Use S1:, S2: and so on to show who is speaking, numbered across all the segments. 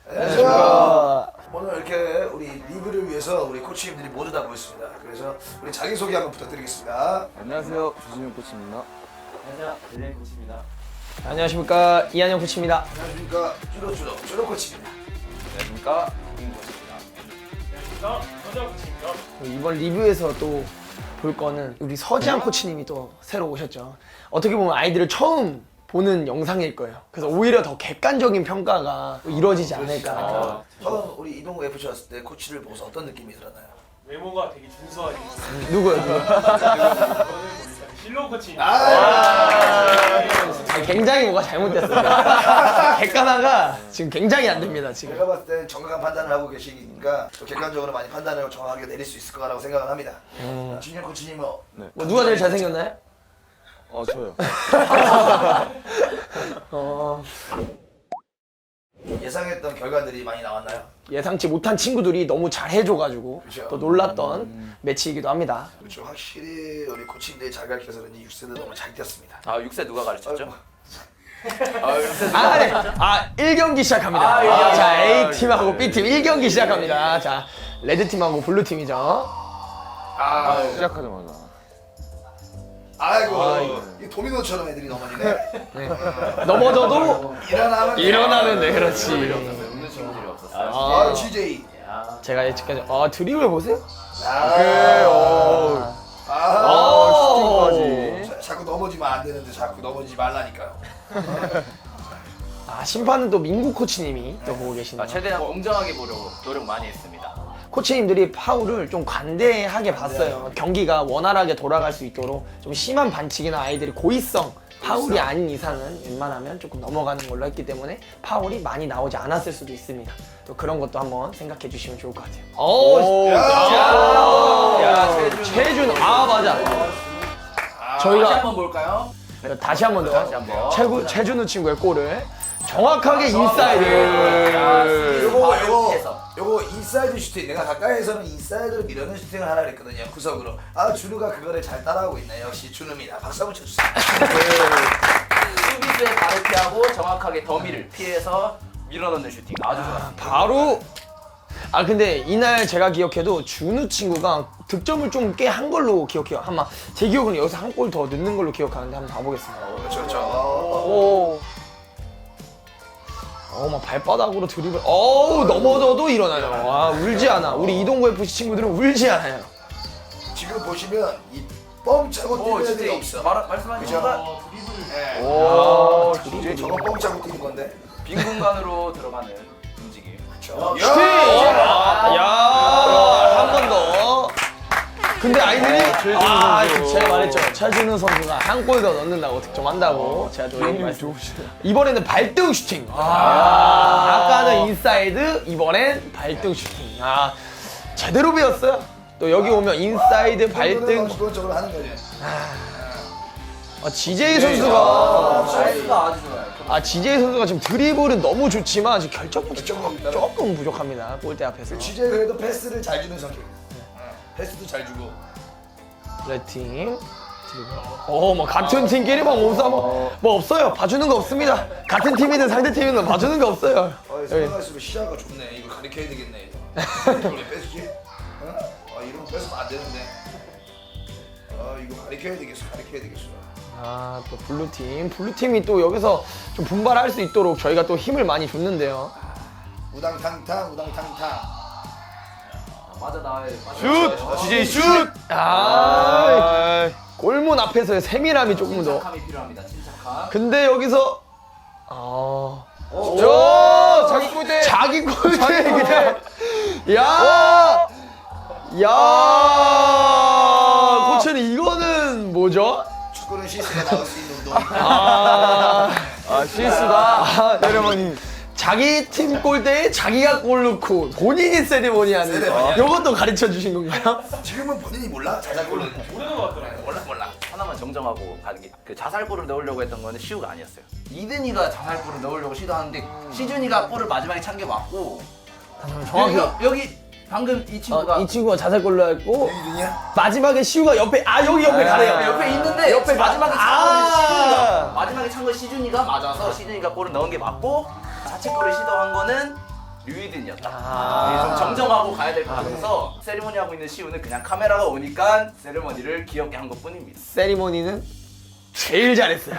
S1: 안녕하십니까. 오늘 이렇게 우리 리뷰를 위해서 우리 코치님들이 모두 다 모였습니다. 그래서 우리 자기소개 한번 부탁드리겠습니다.
S2: 안녕하세요, 주진영 코치입니다.
S3: 안녕하세요. 릴레이 코치입니다.
S4: 안녕하십니까, 이한영 코치입니다.
S1: 안녕하십니까. 주로 코치입니다.
S2: 안녕하십니까, 김 코치입니다.
S3: 안녕하십니까. 서정 코치입니다.
S4: 이번 리뷰에서 또 볼 거는 우리 서지한 코치님이 또 새로 오셨죠. 어떻게 보면 아이들을 처음 보는 영상일 거예요. 그래서 오히려 더 객관적인 평가가 이루어지지 않을까.
S1: 처음 우리 이동구 FC 왔을 때 코치를 보고서 어떤 느낌이 들었나요?
S3: 외모가 되게 준수하게 있어요.
S4: 누구요?
S3: 저는 실로 코치입니다.
S4: 굉장히 뭐가 잘못됐어요. 객관화가 지금 굉장히 안 됩니다, 지금.
S1: 제가 봤을 때 정확한 판단을 하고 계시니까 또 객관적으로 많이 판단을 정확하게 내릴 수 있을 거라고 생각을 합니다. 진영 코치님은
S4: 뭐 누가 제일 잘생겼나요?
S2: 저요.
S1: 예상했던 결과들이 많이 나왔나요?
S4: 예상치 못한 친구들이 너무 잘해줘가지고
S1: 그렇죠.
S4: 또 놀랐던 매치이기도 합니다.
S1: 그렇죠. 확실히 우리 코치님들이 잘 가르쳐서 그런지 6세도 너무 잘 뛰었습니다.
S2: 아, 6세 누가 가르쳤죠?
S4: 아, 1경기 시작합니다. 자, A팀하고 B팀 1경기 시작합니다. 자, 레드팀하고 블루팀이죠.
S2: 시작하자마자.
S1: 아이고, 이 도미노처럼 애들이 넘어지네.
S4: 넘어져도
S1: 일어나면
S4: 돼. 그렇지.
S2: 없는 친구들이 없었어요.
S1: 아, GJ.
S4: 제가 예측까지 드리블 보세요.
S2: 슈팅까지.
S1: 자꾸 넘어지면 안 되는데 자꾸 넘어지지 말라니까요.
S4: 심판은 또 민구 코치님이 또 보고 계시네요.
S2: 최대한 공정하게 보려고 노력 많이 했습니다.
S4: 코치님들이 파울을 좀 관대하게 봤어요. 경기가 원활하게 돌아갈 수 있도록 좀 심한 반칙이나 아이들이 고의성 파울이 아닌 이상은 웬만하면 조금 넘어가는 걸로 했기 때문에 파울이 많이 나오지 않았을 수도 있습니다. 또 그런 것도 한번 생각해 주시면 좋을 것 같아요. 최준. 맞아. 저희가
S2: 한번 볼까요?
S4: 다시 한 번
S2: 다시
S4: 더.
S2: 한번.
S4: 최준우 친구의 골을 정확하게 인사이드.
S1: 요거 인사이드 슈팅. 내가 가까이에서는 인사이드로 밀어넣는 슈팅을 하라 그랬거든요. 구석으로. 준우가 그거를 잘 따라하고 있네. 역시 준우입니다. 박수 한번 쳐주세요.
S2: 수비수의 발을 피하고 정확하게 더미를 피해서 밀어넣는 슈팅. 아주 좋았습니다.
S4: 바로 근데 이날 제가 기억해도 준우 친구가 득점을 좀 꽤 한 걸로 기억해요. 아마 제 기억은 여기서 한 골 더 넣는 걸로 기억하는데 한번 봐보겠습니다.
S1: 그렇죠.
S4: 막 발바닥으로 드리블. 넘어져도 일어나요. 울지 않아. 우리 이동구 FC 친구들은 울지 않아요.
S1: 지금 보시면 이 뻥차고 뛰는 애들이 없어.
S2: 말씀하신
S1: 그죠?
S2: 순간
S1: 이제 저거 뻥차고 뛰는 건데.
S2: 빈 공간으로 들어가는 움직임.
S1: 그렇죠.
S4: 한 번 더. 근데 아이들이 제가 말했죠. 최준우 선수가 한 골 더 넣는다고 득점한다고. 제가 또 말씀드렸어요. 이번에는 발등 슈팅. 아까는 인사이드, 이번엔 발등 슈팅. 제대로 배웠어요. 또 여기 오면 인사이드, 발등.
S1: 기본적으로 하는 거지.
S4: GJ 선수가
S2: 사이즈가 아주 좋아요.
S4: GJ 선수가 지금 드리블은 너무 좋지만 지금 결정력이 조금 부족합니다. 골대 앞에서.
S1: GJ 그래도 패스를 잘 주는 성격이에요. 패스도 잘 주고.
S4: 레드팀 뭐 같은 팀끼리 막 몸싸움 뭐 없어요. 봐주는 거 없습니다. 같은 팀이든 상대 팀이든 봐주는 거 없어요.
S1: 생각할수록 시야가 좋네. 이거 가리켜야 되겠네. 이거 왜 뺏지? 이런 거 뺏으면 안 되는데. 이거 가리켜야 되겠어.
S4: 또 블루팀이 또 여기서 좀 분발할 수 있도록 저희가 또 힘을 많이 줬는데요.
S1: 우당탕탕.
S2: 맞아 나와요.
S4: 슛!
S2: DJ 슛!
S4: 골문 앞에서의 세밀함이 조금 더.
S2: 침착함이 필요합니다. 침착함.
S4: 근데 여기서 자기 골대 그냥 코치는 이거는 뭐죠?
S1: 축구는 실수가 나올 수 있는 운동.
S4: 실수다. 여러분이 자기 팀 골대에 자기가 골 넣고 본인이 세리머니 하는 이것도 가르쳐 주신 건가요?
S1: 지금은 본인이 몰라? 자작골은
S3: 모르는 것 같더라고요.
S1: 몰라.
S2: 하나만 정정하고 그 자살골을 넣으려고 했던 거는 시우가 아니었어요. 이든이가 자살골을 넣으려고 시도하는데 시준이가 골을 마지막에 찬 게 맞고
S4: 정확히
S2: 여기 방금 이 친구가
S4: 이 친구가 자살골로 했고
S1: 이든이야?
S4: 마지막에 시우가 옆에 여기 옆에 가네요.
S2: 옆에 있는데
S4: 옆에
S2: 마지막에
S4: 아.
S2: 마지막에 찬 건 시준이가 맞아서 시준이가 골을 넣은 게 맞고 자책골을 시도한 거는 류이든이었다. 좀 정정하고 가야 될 것 같아서 세리머니 하고 있는 시우는 그냥 카메라가 오니까 세리머니를 귀엽게 한 것뿐입니다.
S4: 세리머니는 제일 잘했어요.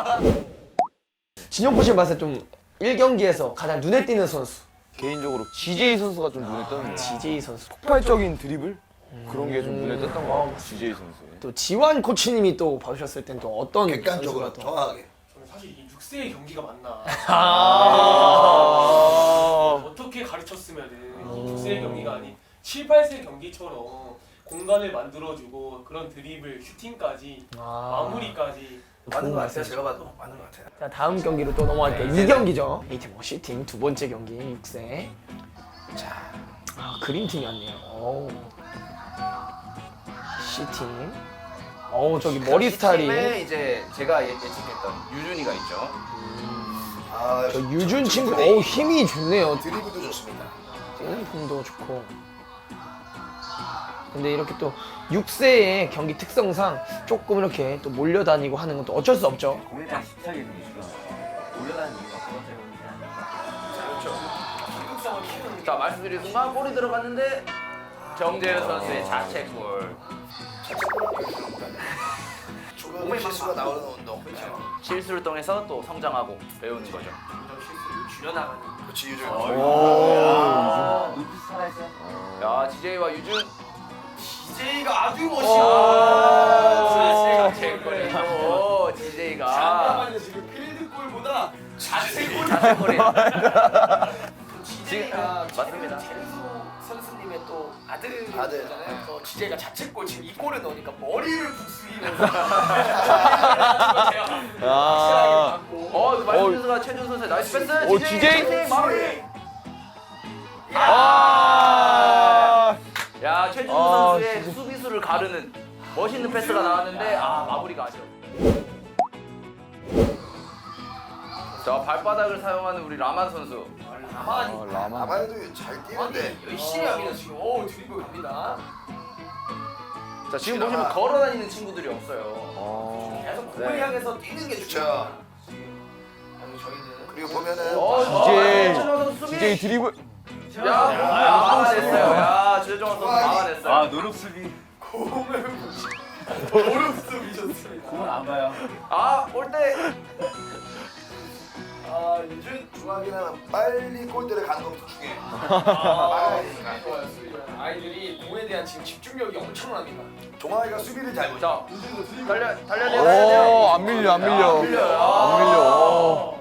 S4: 진영포 씨 봤을 때 좀 1경기에서 가장 눈에 띄는 선수.
S5: 개인적으로 GJ 선수가 좀 눈에 띄는
S4: GJ 선수.
S5: 폭발적인 드리블? 그런 게 좀 눈에 띄었던 것 같아요. GJ 선수의.
S4: 또 지완 코치님이 또 봐주셨을 땐 또 어떤
S1: 객관적으로
S4: 선수가 또.
S1: 정확하게.
S3: 저는 사실 이 6세의 경기가 맞나
S4: 아.
S3: 어떻게 가르쳤으면 이 6세의 경기가 아닌 7, 8세 경기처럼 공간을 만들어주고 그런 드리블, 슈팅까지 마무리까지
S1: 맞는 것 같아요. 제가 봐도 맞는 것 같아요.
S4: 자, 다음 경기로 또 넘어갈게요. 2경기죠. A팀 슈팅 두 번째 경기 6세. 자, 그림팀이었네요. 어우. C팀. 어우, 저기 머리 스타일이.
S2: 팀에 이제 제가 예측했던 유준이가 있죠.
S1: 아,
S4: 저 유준 친구, 어우, 힘이 좋네요.
S1: 드리블도 좋습니다.
S4: 뛰는 폼도 좋고. 근데 이렇게 또 6세의 경기 특성상 조금 이렇게 또 몰려다니고 하는 건 또 어쩔 수 없죠.
S6: 공에 대한 집착이 있는 이유가 올려다니는 이유가 그것 때문이지 않을까.
S2: 자, 말씀드린 순간 골이 들어갔는데 정재현 선수의 자책골.
S1: 조금의 실수가 나오는 운동.
S2: 실수를 통해서 또 성장하고 배우는 거죠.
S1: 그렇지 유준.
S6: 눈빛 살아있어요?
S2: 야, DJ와 유준.
S1: DJ가 아주
S2: 아, 자책골이고 DJ가
S1: 지금 필드골보다 자책골.
S2: 자책골이.
S7: DJ가
S2: 맞습니다.
S7: 선수님의 또
S1: 아들.
S7: 아들이잖아요. 또 DJ가 자책골 지금 이 골을 넣으니까 머리를 북스이면서
S5: 아.
S2: 말씀 선수가 최준 선수의 나이스 패스.
S5: 오, DJ?
S2: 마무리.
S5: 아.
S2: 야, 최준 선수의 수비수를 가르는 멋있는 패스가 나왔는데 마무리가 아쉬워. 자, 발바닥을 사용하는 우리 라만 선수.
S5: 라만.
S1: 아마도 잘 뛰는데.
S7: 열심히 합니다 지금. 오 드리블 갑니다.
S2: 자, 지금 보시면 걸어다니는 친구들이 없어요.
S7: 계속 공을 향해서 뛰는 게
S1: 그쵸.
S7: 중요합니다. 그리고 저희는
S1: 그리고 보면은
S5: DJ.
S2: 최준호 선수 수비.
S5: DJ 드리블.
S2: 야, 막아냈어요. 야, 최준호 선수 막아냈어요.
S6: 노력 수비.
S7: 공을
S6: 공은 안 봐요.
S2: 올 때.
S1: 유준 중앙이나 빨리 골대를 가는 것도 중요해.
S7: 좋아요 수비. 아이들이 공에 대한 지금 집중력이 엄청납니다.
S1: 종아이가 수비를 잘 보죠.
S2: 자, 달려내야
S5: 오, 안 밀려, 안 밀려. 안 밀려.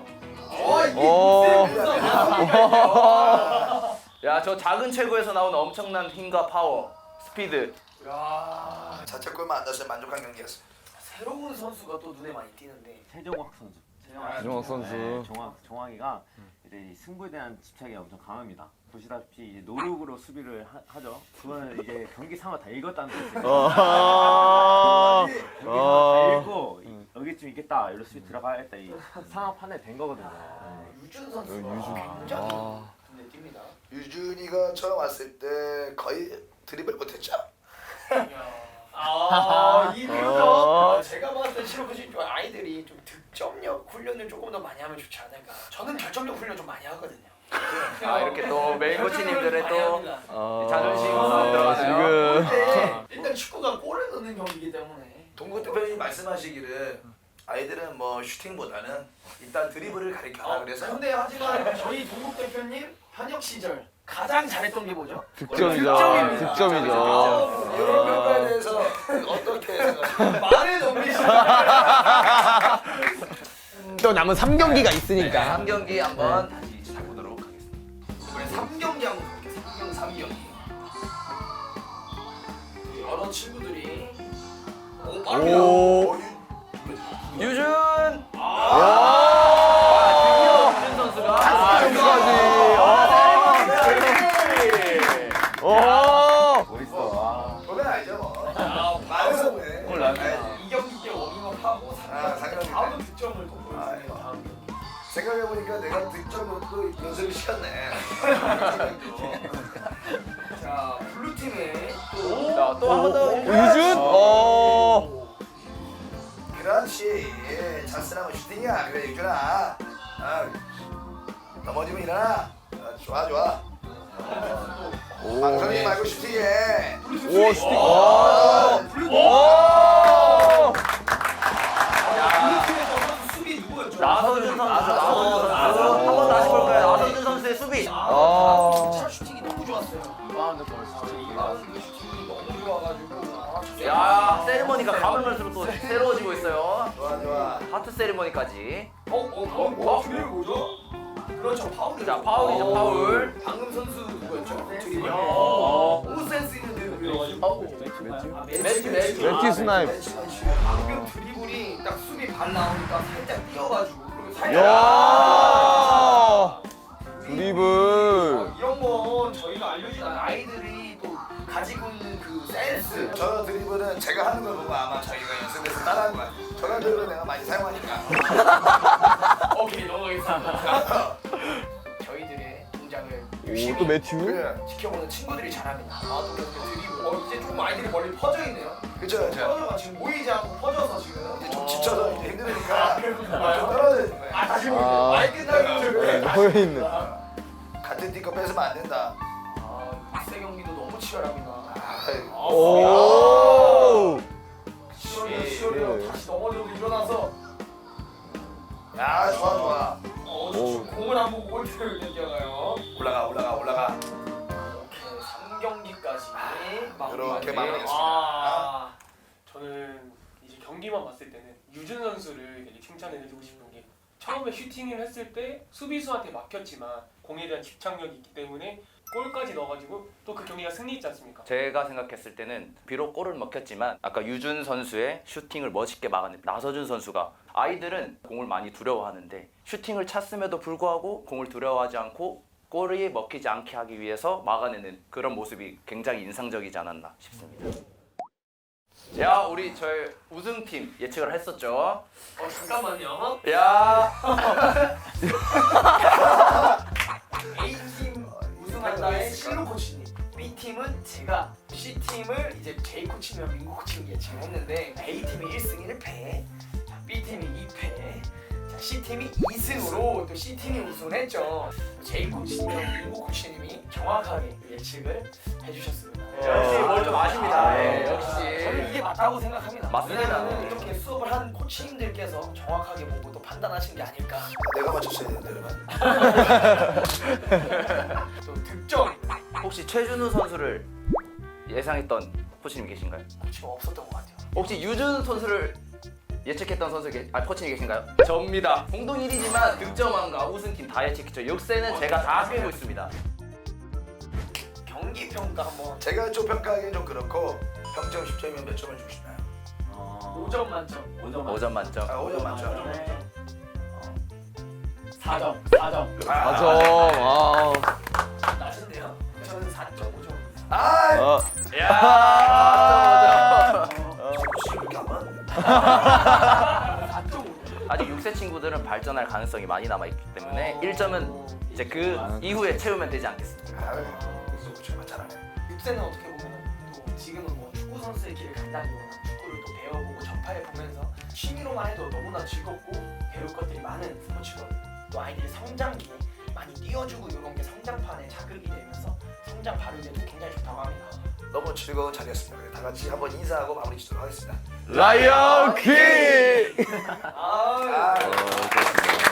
S2: 야, 저 작은 체구에서 나온 엄청난 힘과 파워, 스피드.
S1: 자책골만 안 났으면 만족한 경기였어.
S7: 새로운 선수가 또 눈에 많이 띄는데
S6: 최종학 선수.
S5: 최종학 선수.
S6: 네, 종학이가 이제 이 승부에 대한 집착이 엄청 강합니다. 보시다시피 이제 노력으로 수비를 하죠. 그거는 이제 경기 상황 다 읽었다는 뜻이에요. 경기 상황 다 읽고 여기쯤 있겠다. 여기로 수비 들어가야겠다. 이 상황 판단이 된 거거든요.
S7: 유준 선수가 굉장히 눈에 띕니다.
S1: 유준이가 처음 왔을 때 거의 드리블 못했죠.
S7: 이 비유죠. 제가 봤을 때 실업하신 아이들이 좀 득점력 훈련을 조금 더 많이 하면 좋지 않을까. 저는 결정력 훈련 좀 많이 하거든요.
S2: 이렇게 또 메인 코치님들의 또 자존심
S5: 아,
S2: 들어가네요.
S5: 지금.
S7: 일단 축구가 골을 넣는 경기이기 때문에
S1: 동국 대표님 말씀하시기를 아이들은 뭐 슈팅보다는 일단 드리블을 가르쳐라 그래서
S7: 근데 하지만 저희 동국 대표님 현역 시절 가장 잘했던 게 뭐죠?
S5: 득점이죠. 득점이죠.
S1: 이런 평가에 대해서 어떻게 생각하세요?
S7: 말을 넘기시는
S4: 또 남은 3경기가 있으니까.
S2: 3경기 한번 다시 해보도록 하겠습니다.
S7: 이번에 3경기 한번 볼게요. 3경기. 여러 친구들이
S5: 오.
S2: 유준!
S5: 와.
S2: 드디어 유준 선수가
S6: 멋있어.
S1: 보면 알죠 뭐. 말해서 왜?
S6: 몰라요.
S7: 2경기 때 워밍업하고 다음 득점을 또 보여주네요. 다음 경기.
S1: 생각해보니까 내가 득점도 연습을 시켰네.
S7: 자 블루팀에
S2: 또 한 번 더.
S5: 유준?
S1: 그렇지. 찬스나면 슈팅이야. 그래 유준아. 넘어지면 일어나. 그렇지. 좋아 좋아. 방송이 말고 슈팅해.
S5: 오 슈팅.
S7: 수비 누구였죠?
S2: 나서준 선수. 한 번 다시 볼까요? 나서준 선수의 수비.
S7: 차 슈팅이 너무 좋았어요.
S6: 슈팅이
S7: 슈팅이 너무 좋아가지고.
S2: 야, 세리머니가 가면 갈수록 또 새로워지고 있어요.
S1: 좋아 좋아.
S2: 하트 세리머니까지.
S7: 드리블 뭐죠? 그렇죠, 파울이죠.
S2: 자, 파울이죠, 파울.
S7: 방금 선수 누구였죠? 드리블. 너무 센스 있는 드리블이어가지고.
S5: 매튜 스나이프.
S7: 방금 드리블이 딱 수비 발 나오니까 살짝 뛰어가지고 그리고 살짝.
S5: 야. 드리블.
S7: 이런 건 저희가 알려준 아이들이 또 가지고 있는 그 센스.
S1: 저 드리블은 제가 하는 걸 보고 아마 저희가 연습해서 따라한 거야. 저런 드리블은 내가 많이 사용하니까.
S7: 오케이, 넘어가겠습니다. 저희들의 동작을 열심히
S5: 오또 매튜.
S1: 그래.
S7: 지켜보는 친구들이 잘합니다. 또 그렇게 드리블. 이제 조금 아이들이 멀리 퍼져 있네요.
S1: 그쵸 그쵸.
S7: 퍼져가 지금 모이지 않고 퍼져서 지금.
S1: 이제 좀 지쳐서 이제 힘드니까 좀 떨어져 있는 거야.
S7: 다시
S5: 아.
S7: 모이네. 많이 끝나고.
S5: 모여 있는.
S1: 같은 팀거 뺏으면 안 된다.
S7: 국세 경기도 너무 치열합니다.
S5: 오.
S7: 치열해요. 다시 넘어져도 일어나서
S1: 야 좋아 좋아.
S7: 공을 안 보고 골대를 얘기하나요?
S1: 올라가 올라가 올라가.
S7: 이렇게 3경기까지
S1: 이렇게 마무리했습니다.
S3: 저는 이제 경기만 봤을 때는 유준 선수를 되게 칭찬을 해주고 싶은 게 처음에 슈팅을 했을 때 수비수한테 막혔지만 공에 대한 집착력이 있기 때문에 골까지 넣어가지고 또 그 경기가 승리했지 않습니까?
S2: 제가 생각했을 때는 비록 골을 먹혔지만 아까 유준 선수의 슈팅을 멋있게 막아낸 나서준 선수가 아이들은 공을 많이 두려워하는데 슈팅을 찼음에도 불구하고 공을 두려워하지 않고 골이 먹히지 않게 하기 위해서 막아내는 그런 모습이 굉장히 인상적이지 않았나 싶습니다. 자, 우리 저희 우승팀 예측을 했었죠.
S7: 잠깐만요.
S2: 야,
S7: A팀 우승한다의 실로 코치님, B팀은 제가, C팀을 이제 J 코치면 민구 코치님 예측을 했는데 A팀이 1승 1패, B팀이 2패, C팀이 2승으로 또 C팀이 우승을 했죠. J 코치님이랑 민구 코치님이 정확하게 예측을 해주셨습니다.
S2: 역시 뭘 좀 아십니다. 네,
S7: 저는
S2: 역시.
S7: 이게 맞다고 생각합니다.
S2: 맞습니다.
S7: 왜냐하면 이렇게 수업을 한 코치님들께서 정확하게 보고 또 판단하신 게 아닐까.
S1: 내가 맞췄어야 되는데 그러면.
S7: 또 득점
S2: 혹시 최준우 선수를 예상했던 코치님 계신가요?
S7: 코치가 없었던 것 같아요.
S2: 혹시 유준 선수를 예측했던 코치님 계신가요? 접니다. 공동 1위지만 득점왕과 우승팀 다 예측했죠. 역세는 제가 다 빼고 있습니다.
S7: 경기 평가 한번.
S1: 제가 좀 평가하기엔 좀 그렇고 평점 10점이면 몇 점을 주고 싶나요?
S7: 5점 만점.
S2: 5점 만점.
S1: 5점 만점.
S7: 4점. 4점.
S5: 맞아. 아.
S7: 낮은데요? 저는 4.5점.
S1: 아,
S2: 야!
S1: 혹시 이렇게 안 맞는데?
S7: 4.5점.
S2: 아직 6세 친구들은 발전할 가능성이 많이 남아 있기 때문에 1점은 이제 그 이후에 채우면 되지 않겠습니까?
S1: 아, 그래서 그렇지만 잘하네.
S7: 6세는 어떻게 보면 또 지금은 뭐 축구 선수의 길을 간다기보다 축구를 또 배워보고 접해 보면서 취미로만 해도 너무나 즐겁고 배울 것들이 많은 스포츠거든요. 또 아이들이 성장기에 많이 띄워주고 이런 게 성장판에 자극이 되면서 성장 발육에도 굉장히 좋다고 합니다.
S1: 너무 즐거운 자리였습니다. 다 같이 한번 인사하고 마무리 짓도록 하겠습니다.
S5: 라이언 킹.
S1: 아,
S5: 그렇습니다.